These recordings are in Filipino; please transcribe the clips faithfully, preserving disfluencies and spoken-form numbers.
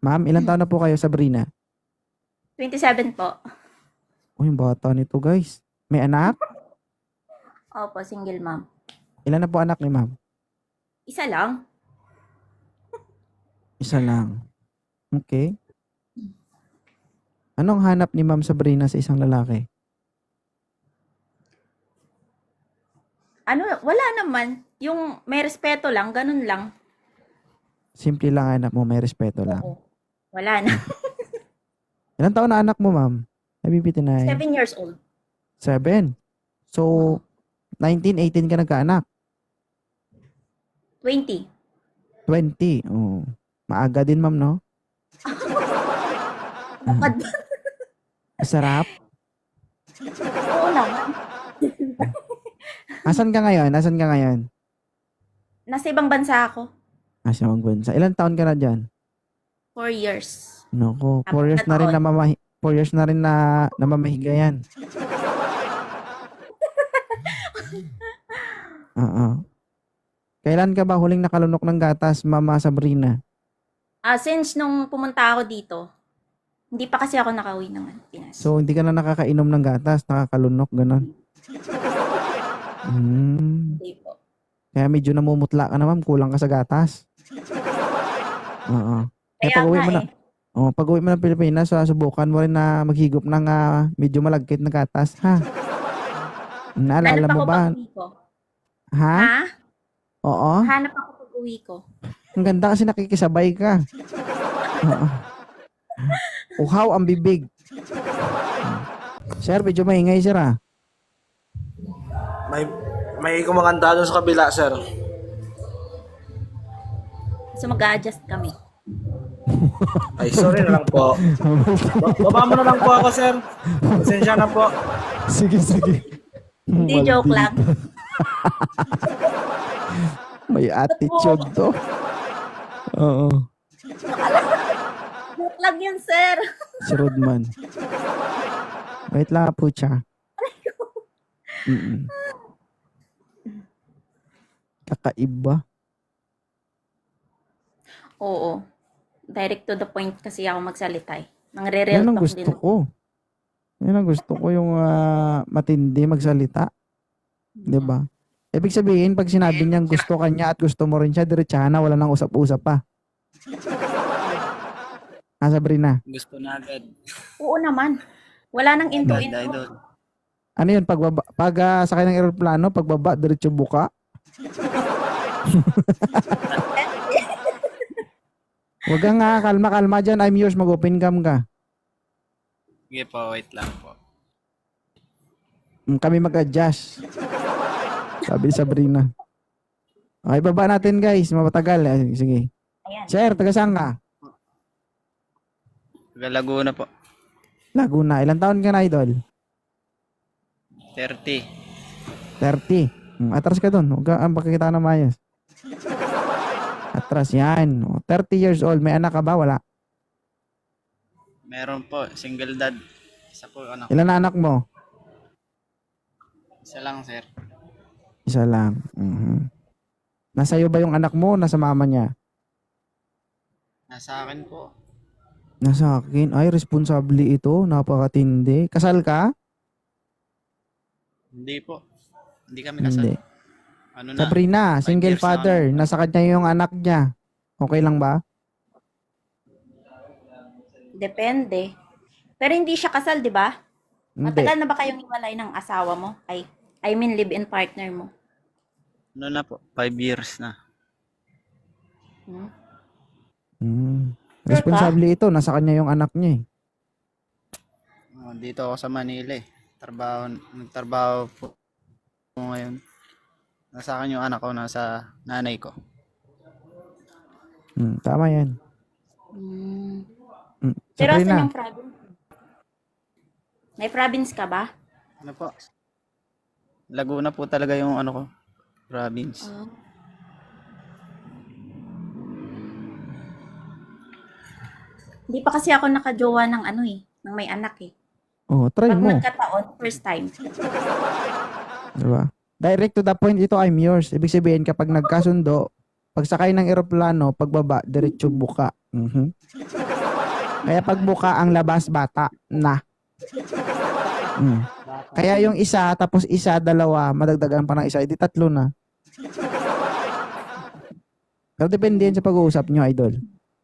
Ma'am, ilang taon na po kayo, Sabrina? twenty-seven po. Oh, yung bata nito, guys. May anak? Opo, single mom. Ilan na po anak ni ma'am? Isa lang. Isa lang. Okay. Anong hanap ni Ma'am Sabrina sa isang lalaki? Ano, wala naman. Yung may respeto lang, ganun lang. Simple lang hanap mo, may respeto lang. Oo. Wala na. Ilang taon na anak mo, ma'am? Nabibitinay. Seven years old. Seven. So, nineteen, eighteen ka nagkaanak. twenty. twenty. Oh. Maaga din, ma'am, no? Bakad. Sarap. Oo naman. Asan ka ngayon? Asan ka ngayon? Nasa ibang bansa ako. Asa ang bansa. Ilang taon ka na dyan? Four years. Nako, four Apat years na na rin taon. na mamahi four years na rin na namamahiga yan. Oo. Kailan ka ba huling nakalunok ng gatas, Mama Sabrina? Ah, since nung pumunta ako dito, hindi pa kasi ako nakauwi ng Pinas. So, hindi ka na nakakainom ng gatas, nakakalunok, gano'n. Hmm. Hindi po. Kaya medyo namumutla ka na, ma'am. Kulang ka sa gatas. Oo. Kaya Kaya pag-uwi nga mo na, eh. oh, pag-uwi mo ng Pilipinas, so, subukan mo rin na maghigop ng ah, medyo malagkit na gatas, ha? Naalala Hanap mo ako ba? pag-uwi ko. Ha? Ha? Oo. Hanap ako pag-uwi ko. Ang ganda kasi nakikisabay ka. Oo. Uhaw ang bibig. Sir, medyo maingay, sir, ah. May may kumakanta doon sa kabila, sir. So mag-a-adjust kami. Ay, sorry na lang po. Ba- Baba mo na lang po ako, sir. Pasensya na po. Sige, sige. Hindi, joke lang. May attitude to. Oo. Joke lang yun, sir. Si Rodman. Wait lang po siya. Mm-mm. Kakaiba. Oo. Direct to the point kasi ako magsalita eh. Nang re-real Yan ang talk gusto din. ko. Yan ang gusto ko yung ah, matindi magsalita. 'Di ba? Ibig sabihin, pag sinabi niyang gusto ka niya at gusto mo rin siya, diretsahan na, wala nang usap-usap pa. Ah, Sabrina. Gusto na agad. Oo naman. Wala nang Agad, into-into. idol. Ano yun? Pagbaba, pag ah, sakay ng aeroplano, pagbaba, diretso buka. Huwag kang nga, kalma-kalma dyan. I'm yours, mag-open cam ka. Sige po, wait lang po. Mm, Kami mag-adjust. Sabi ni Sabrina. Okay, baba natin guys. Mapatagal. Ay, sige. Ayan. Sir, taga saan ka? Taga Laguna po. Laguna. Ilang taon ka na, idol? thirty. thirty. Mm, Atras ka dun. Huwag ka, ang pakikita na mayas. Atras yan. O, thirty years old. May anak ka ba? Wala. Meron po, single dad. Isa po, anak. Ilan na anak mo? Isa lang, sir. Isa lang. Mhm. Nasa iyo ba yung anak mo? Nasa mama niya? Nasa akin po. Nasa akin. Ay, responsable ito. Napakatindi. Kasal ka? Hindi po. Hindi kami kasal. Hindi. Ano na? Sabrina, Five single years na father. Nasa kanya yung anak niya. Okay lang ba? Depende. Pero hindi siya kasal, di ba? Hindi. Matagal na ba kayong iwalay ng asawa mo? Ay, I mean live-in partner mo. Ano na po? Five years na. Hmm? Mm. Sure ka? Responsable ito. Nasa kanya yung anak niya eh. Oh, dito ako sa Manila eh. Trabaho, nagtrabaho po po ngayon. Nasa akin yung anak ko, nasa nanay ko. Mm, tama yan. Hmm. Mm. Pero asan Sabrina, yung province? May province ka ba? Ano po? Laguna po talaga yung ano ko, province. Oh. Hindi pa kasi ako nakajowa ng ano eh, ng may anak eh. oh, try Pag mo. nagkataon, first time. Diba? Direct to the point, ito I'm yours. Ibig sabihin, kapag nagkasundo, pag sakay ng eroplano, pagbaba, diretso buka. Mhm. Kaya pag buka ang labas, bata na. Mm. Kaya yung isa, tapos isa, dalawa, madagdagan pa ng isa, edi tatlo na. Pero depende yan sa pag-uusap nyo, idol.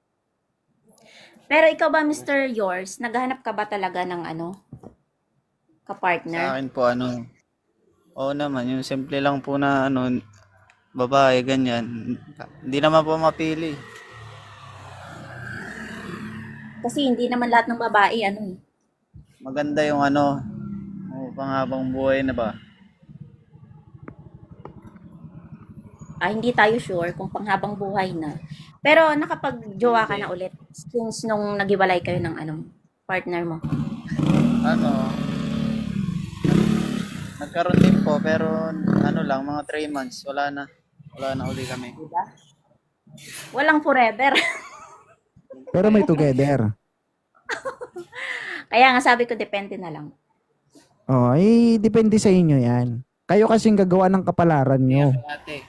Pero ikaw ba, mister Yours, naghahanap ka ba talaga ng ano? Sa Kapartner? akin po, ano, oo naman, yung simple lang po na, ano, babae, ganyan. Hindi naman po mapili. Kasi hindi naman lahat ng babae, ano eh. Maganda yung, ano, oh, panghabang buhay na ba? Ah, hindi tayo sure kung panghabang buhay na. Pero nakapag-jowa ka na ulit since nung nagiwalay kayo ng ano, partner mo. Ano, nagkaroon din po, pero, ano lang, mga three months, wala na. Wala na uli kami. Diba? Walang forever. Pero may together. Kaya nga sabi ko, depende na lang. Oh, eh, depende sa inyo yan. Kayo kasing gagawa ng kapalaran nyo. Ate,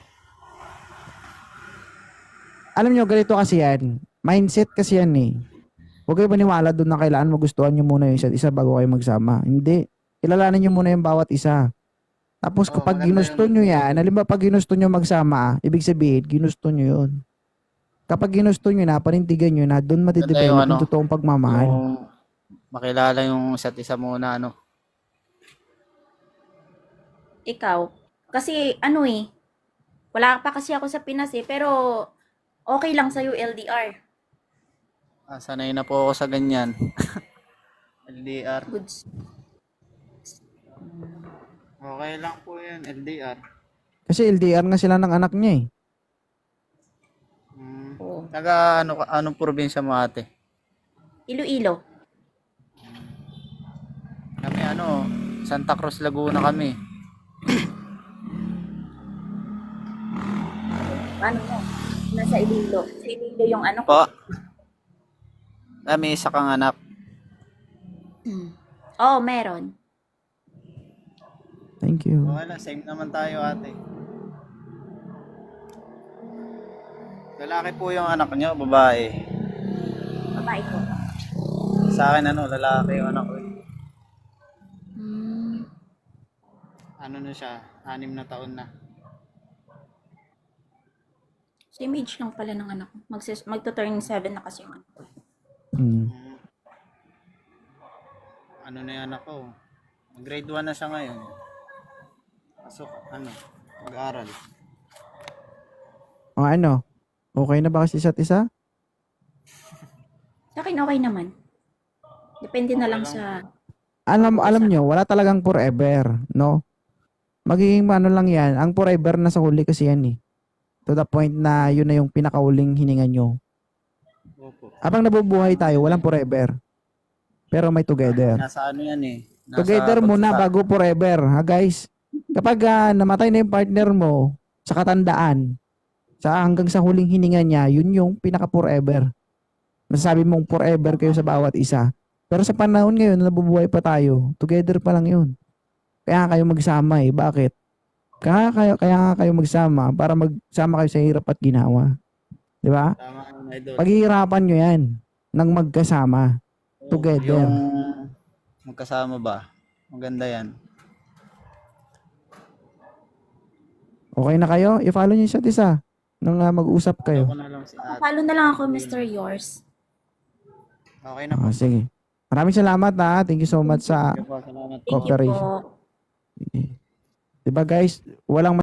Alam nyo, ganito kasi yan. Mindset kasi yan eh. Huwag kayo maniwala doon na kailangan magustuhan nyo muna yung isa't isa bago kayo magsama. Hindi. Kilalanin nyo muna yung bawat isa. Tapos Oo, kapag maganda ginusto yun. nyo yan, halimbawa pag ginusto nyo magsama, ibig sabihin, ginusto nyo yun. Kapag ginusto nyo na, panindigan nyo na, doon Maganda matidevelop yung yung ano, totoong pagmamahal. yung makilala yung isa't isa muna, ano. Ikaw, kasi ano eh, wala pa kasi ako sa Pinas eh, pero okay lang sa'yo L D R. Ah, sanay na po ako sa ganyan. L D R. Goods. Okay lang po yun, L D R. Kasi L D R nga sila ng anak niya eh. Hmm. Oo. Taga ano, ka- anong probinsya mo ate? Iloilo. Kami ano, Santa Cruz, Laguna kami. Ano mo? Nasa Iloilo. Sa Iloilo yung ano ko. Po. Kami isa kang anak. Oo, meron. Thank you. Okay lang, same naman tayo ate. Lalaki po yung anak nyo, babae. Babae ko. Sa akin ano, lalaki yung anak ko. eh. Hmm. Ano na siya, anim na taon na. Same age lang pala ng anak ko. Magsis- magto-turn seven na kasi yung anak ko. Mm. Hmm. Ano na yung anak ko? Grade one na siya ngayon. Pasok, ano, mag-aaral. O ano? Okay na ba kasi isa't isa? Sa akin okay naman. Depende na lang sa... Alam, alam nyo, wala talagang forever, no? Magiging ano lang yan, ang forever na sa huli kasi yan eh. To the point na yun na yung pinakauling hininga nyo. Opo. Habang nabubuhay tayo, walang forever. Pero may together. Nasa ano yan eh. Nasa Together muna pagsasa- bago forever, ha guys? Kapag ah, namatay na yung partner mo sa katandaan, sa hanggang sa huling hininga niya, yun yung pinaka-forever. Masasabi mong forever kayo sa bawat isa. Pero sa panahon ngayon na nabubuhay pa tayo, together pa lang yun. Kaya kayo magsama eh. Bakit? Kaya kayo, kaya nga kayo magsama para magsama kayo sa hirap at ginawa. Di ba? Tama yun, idol. Paghihirapan nyo yan ng magkasama. Together. Yung magkasama ba? Maganda yan. Okay na kayo? I-follow nyo yung isa't isa nang ah, mag-usap kayo. Ako na lang si ate. Follow na lang ako, mister Yours. Okay na po. Ah, sige. Maraming salamat ha. Thank you so much sa Sige po, salamat po. Thank you cooperation. po. Diba guys, walang